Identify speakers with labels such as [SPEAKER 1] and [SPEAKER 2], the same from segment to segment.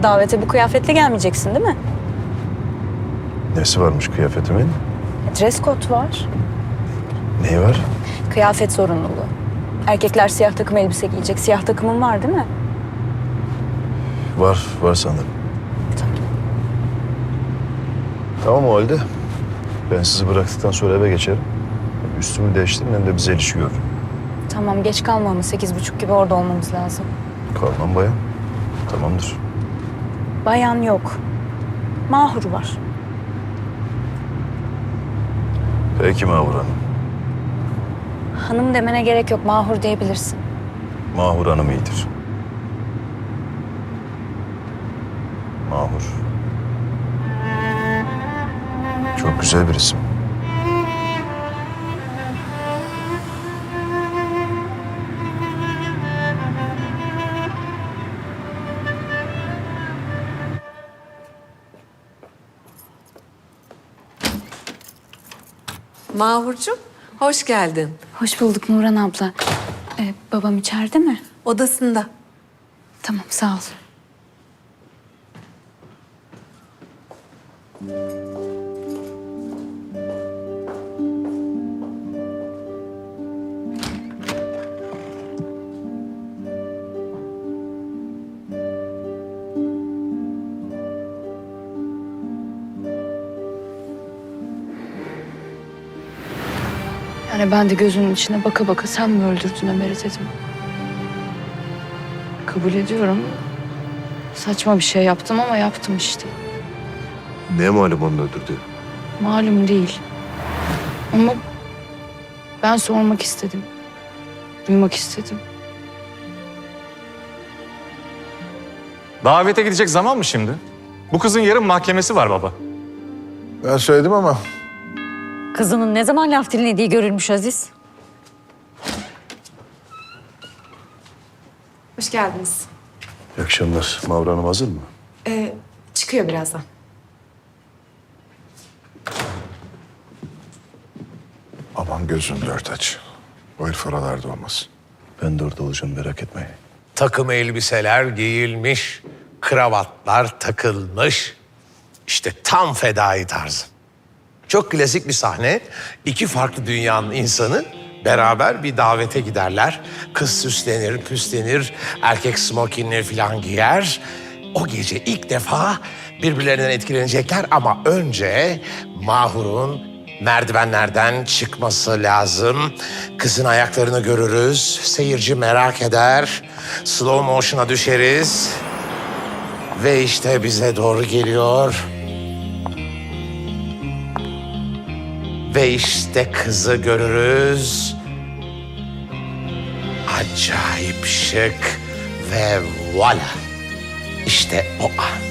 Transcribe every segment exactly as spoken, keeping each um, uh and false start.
[SPEAKER 1] Davete bu kıyafetle gelmeyeceksin değil mi?
[SPEAKER 2] Nesi varmış kıyafetimin?
[SPEAKER 1] Dress code var.
[SPEAKER 2] Neyi var?
[SPEAKER 1] Kıyafet zorunluluğu. Erkekler siyah takım elbise giyecek. Siyah takımın var değil mi?
[SPEAKER 2] Var, var sanırım.
[SPEAKER 1] Tamam.
[SPEAKER 2] Tamam o halde. Ben sizi bıraktıktan sonra eve geçerim. Üstümü değiştirin hem de bize ilişki görün.
[SPEAKER 1] Tamam, geç kalma ama sekiz buçuk gibi orada olmamız lazım.
[SPEAKER 2] Kalmam bayan. Tamamdır.
[SPEAKER 1] Bayan yok. Mahur var.
[SPEAKER 2] Peki Mahur Hanım.
[SPEAKER 1] Hanım demene gerek yok. Mahur diyebilirsin.
[SPEAKER 2] Mahur Hanım iyidir. Mahur. Çok güzel bir isim.
[SPEAKER 3] Mahurcuğum, hoş geldin.
[SPEAKER 1] Hoş bulduk Nurhan abla. Ee, babam içeride mi?
[SPEAKER 3] Odasında.
[SPEAKER 1] Tamam, sağ ol. Yani ben de gözünün içine baka baka sen mi öldürdün Ömer'i dedim. Kabul ediyorum. Saçma bir şey yaptım ama yaptım işte.
[SPEAKER 2] Ne malum onu öldürdü?
[SPEAKER 1] Malum değil. Ama ben sormak istedim. Duymak istedim.
[SPEAKER 4] Davete gidecek zaman mı şimdi? Bu kızın yarın mahkemesi var baba.
[SPEAKER 2] Ben söyledim ama
[SPEAKER 5] Kızının ne zaman laf dinlediği görülmüş Aziz.
[SPEAKER 3] Hoş geldiniz.
[SPEAKER 2] iyi akşamlar. Mahur Hanım hazır mı?
[SPEAKER 3] Ee, çıkıyor birazdan.
[SPEAKER 6] Aman gözün dört aç. O herif oralarda olmasın.
[SPEAKER 2] Ben de orada olacağım, merak etmeyin.
[SPEAKER 7] Takım elbiseler giyilmiş, kravatlar takılmış. İşte tam fedai tarzı. Çok klasik bir sahne. İki farklı dünyanın insanı beraber bir davete giderler. Kız süslenir, püslenir, erkek smokinleri falan giyer. O gece ilk defa birbirlerinden etkilenecekler ama önce Mahur'un merdivenlerden çıkması lazım. Kızın ayaklarını görürüz. Seyirci merak eder. Slow motion'a düşeriz. Ve işte bize doğru geliyor. Ve işte kızı görürüz. Acayip şık ve voila. İşte o an.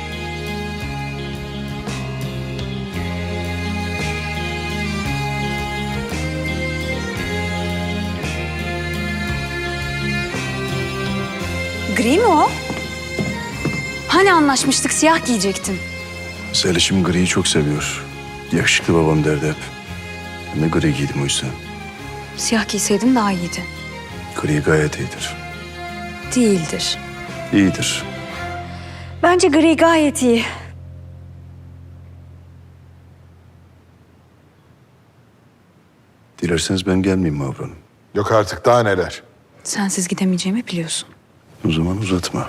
[SPEAKER 1] Gri mi o? Hani anlaşmıştık, siyah giyecektin.
[SPEAKER 2] Zeliş'im griyi çok seviyor. Yakışıklı babam derdi hep. Ben de gri giydim o yüzden.
[SPEAKER 1] Siyah giyseydim daha iyiydi.
[SPEAKER 2] Gri gayet iyidir.
[SPEAKER 1] Değildir.
[SPEAKER 2] İyidir.
[SPEAKER 1] Bence gri gayet iyi.
[SPEAKER 2] Dilerseniz ben gelmeyeyim Mahur Hanım.
[SPEAKER 6] Yok artık daha neler.
[SPEAKER 1] Sensiz gidemeyeceğimi biliyorsun.
[SPEAKER 2] O zaman uzatma.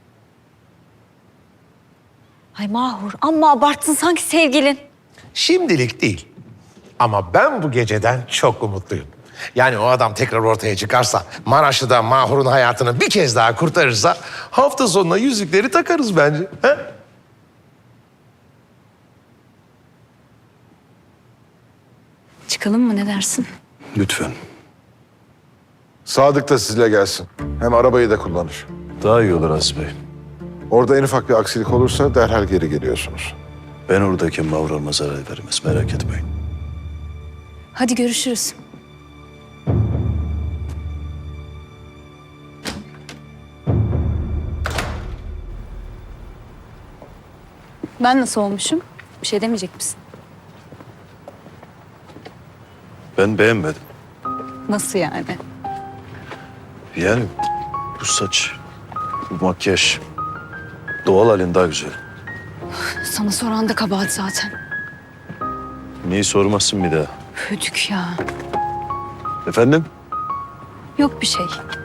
[SPEAKER 5] Ay Mahur amma abarttın sanki sevgilin.
[SPEAKER 7] Şimdilik değil. Ama ben bu geceden çok umutluyum. Yani o adam tekrar ortaya çıkarsa, Maraşlı'da Mahur'un hayatını bir kez daha kurtarırsa... ...hafta sonuna yüzükleri takarız bence. He?
[SPEAKER 1] Çıkalım mı, ne dersin?
[SPEAKER 2] Lütfen.
[SPEAKER 6] Sadık da sizle gelsin. Hem arabayı da kullanır.
[SPEAKER 2] Daha iyi olur Aziz Bey.
[SPEAKER 6] Orada en ufak bir aksilik olursa derhal geri geliyorsunuz.
[SPEAKER 2] Ben oradayken Mahur Hanım'a zarar vermez, merak etmeyin.
[SPEAKER 1] Hadi görüşürüz. Ben nasıl olmuşum? Bir şey demeyecek misin?
[SPEAKER 2] Ben beğenmedim.
[SPEAKER 1] Nasıl yani?
[SPEAKER 2] Yani bu saç, bu makyaj, Doğal halin daha güzel.
[SPEAKER 1] Sana soran da kabahat zaten.
[SPEAKER 2] Niye sormazsın bir daha?
[SPEAKER 1] Hödük ya.
[SPEAKER 2] Efendim?
[SPEAKER 1] Yok bir şey.